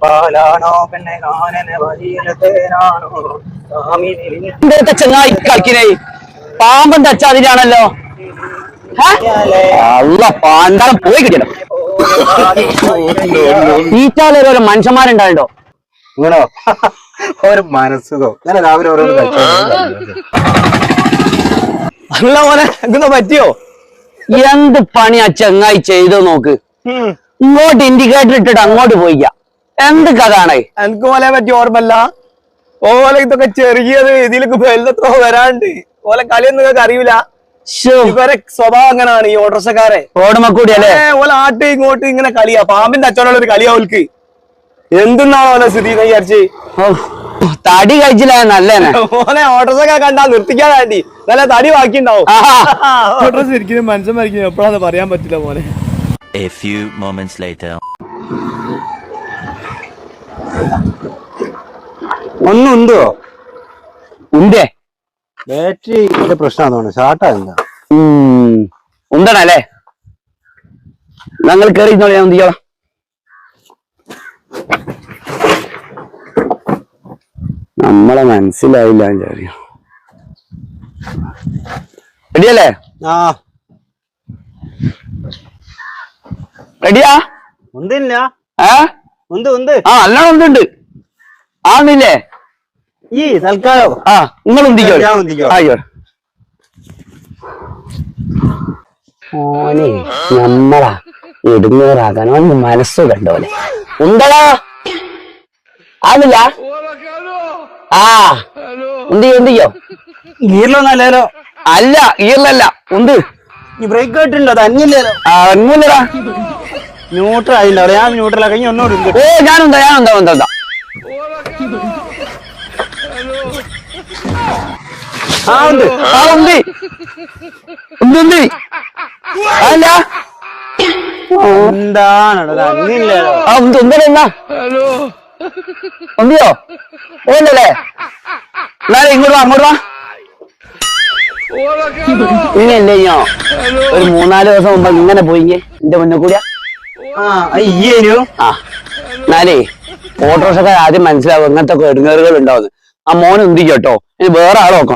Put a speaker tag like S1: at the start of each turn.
S1: പാലാണോ പെണ്ണെ കാനന വഴിയിലത്തേനാണോ
S2: ചങ്ങായി കളിക്കണേ പാമ്പൻ തച്ചാതിരാണല്ലോ അല്ല പാണ്ടാളം പോയി കിട്ടിയല്ലോ തീറ്റാലോരോ മനുഷ്യന്മാരുണ്ടായിട്ടോ
S1: ഇങ്ങനോ ഒരു മനസ്സുഖം ഞാൻ രാവിലെ ഓരോന്ന്
S2: അല്ല പോലെ എന്താ പറ്റിയോ എന്ത് പണിയാ ചങ്ങായി ചെയ്തോ നോക്ക് ഇങ്ങോട്ട് ഇൻഡിക്കേറ്റർ ഇട്ടിട്ട് അങ്ങോട്ട് പോയിക്ക എന്ത് കഥാണ്
S3: എനിക്ക് പോലെ പറ്റി ഓർമ്മല്ല ഓലെ ഇതൊക്കെ ചെറിയത് ഇതിലേക്ക് വലുതത്രോ വരാണ്ട് ഓലെ കളിയൊന്നും നിങ്ങൾക്ക് അറിയില്ല ഇവരെ സ്വഭാവം അങ്ങനെയാണ് ഈ ഓട്ടോറിക്ഷക്കാരെ
S2: ഓടുമ്പോ കൂടി അല്ലേ
S3: ഓല ആട്ട് ഇങ്ങോട്ട് ഇങ്ങനെ കളിയാ പാമ്പിന്റെ അച്ചോടുള്ള ഒരു കളിയാ ഓൽക്ക് എന്തെന്നാണോ ഓലെ സ്ഥിതി എന്ന് വിചാരിച്ച്
S2: തടി കഴിച്ചില്ല നല്ലേനെ
S3: ഓലെ ഓട്ടോറിക്ഷക്കാർ കണ്ടാ നിർത്തിക്കാൻ വേണ്ടി നല്ല തടി ബാക്കിണ്ടാവും ഓട്ടോറിക്ഷ ശരിക്കും മനുഷ്യന്മാരിക്കും എപ്പോഴാന്ന് പറയാൻ പറ്റില്ല പോലെ.
S4: A few moments later.
S1: ഒന്നുണ്ടോ
S2: ഉണ്ടേ
S1: ബാറ്ററി പ്രശ്നമാണോ ഷാർട്ടാ എന്താ
S2: ഉണ്ടണല്ലേ ഞങ്ങൾ കേറിയിരുന്നോളൂ ഞാൻ എന്തിയോളാം നമ്മളെ മനസ്സിലായില്ല റെഡിയല്ലേ
S1: ആ
S2: റെഡിയാ
S1: ഒന്നില്ല
S2: ഉണ്ട് ആ നല്ലോണം ഉണ്ടുണ്ട് ആന്നില്ലേ
S1: ഈ തൽക്കാലം
S2: ആ നിങ്ങൾ ഉന്തിക്കോ അയ്യോ ഓനെ നമ്മളാ ഇടുന്നവരാകാൻ അവന് മനസ്സ് കണ്ടോലെ ഉണ്ടടാ ആന്നില്ല ആ ഉന്തിക്കോ
S1: ഗീറിലൊന്നല്ലോ
S2: അല്ല ഗീറിലല്ല ഉണ്ട്
S1: ഈ ബ്രേക്ക് ആയിട്ടുണ്ടോ അത് അഞ്ഞില്ലല്ലോ
S2: അന്നൂല്ലടാ
S1: ന്യൂട്രൽ ആയില്ല ഞാൻ ന്യൂട്രൽ കഴിഞ്ഞ ഒന്നുകൂടി
S2: ഓ ഞാനുണ്ടാ
S1: ആ ഉണ്ട്
S2: ആ ഉണ്ട് അല്ല
S1: എന്താണോ അഞ്ഞില്ലല്ലോ
S2: ആ ഉണ്ടല്ലോ ഉണ്ടിയോ ഓന്നല്ലേ എന്നാലും ഇങ്ങോട്ട് അങ്ങോട്ട് വാ ഇങ്ങനല്ലേ ഞാൻ ഒരു 3-4 ദിവസം മുമ്പ് ഇങ്ങനെ പോയിങ്ങേ എന്റെ മുന്നേ കൂടിയാ
S1: അയ്യേനു
S2: ആ എന്നാലേ ഓട്ടോറിക്ഷക്കാർ ആദ്യം മനസ്സിലാവും ഇങ്ങനത്തെ കെടുങ്ങേറുകൾ ഉണ്ടാവുന്നത് ആ മോനെ ഉന്തിക്കോട്ടോ ഇനി വേറെ ആളെ നോക്കണം.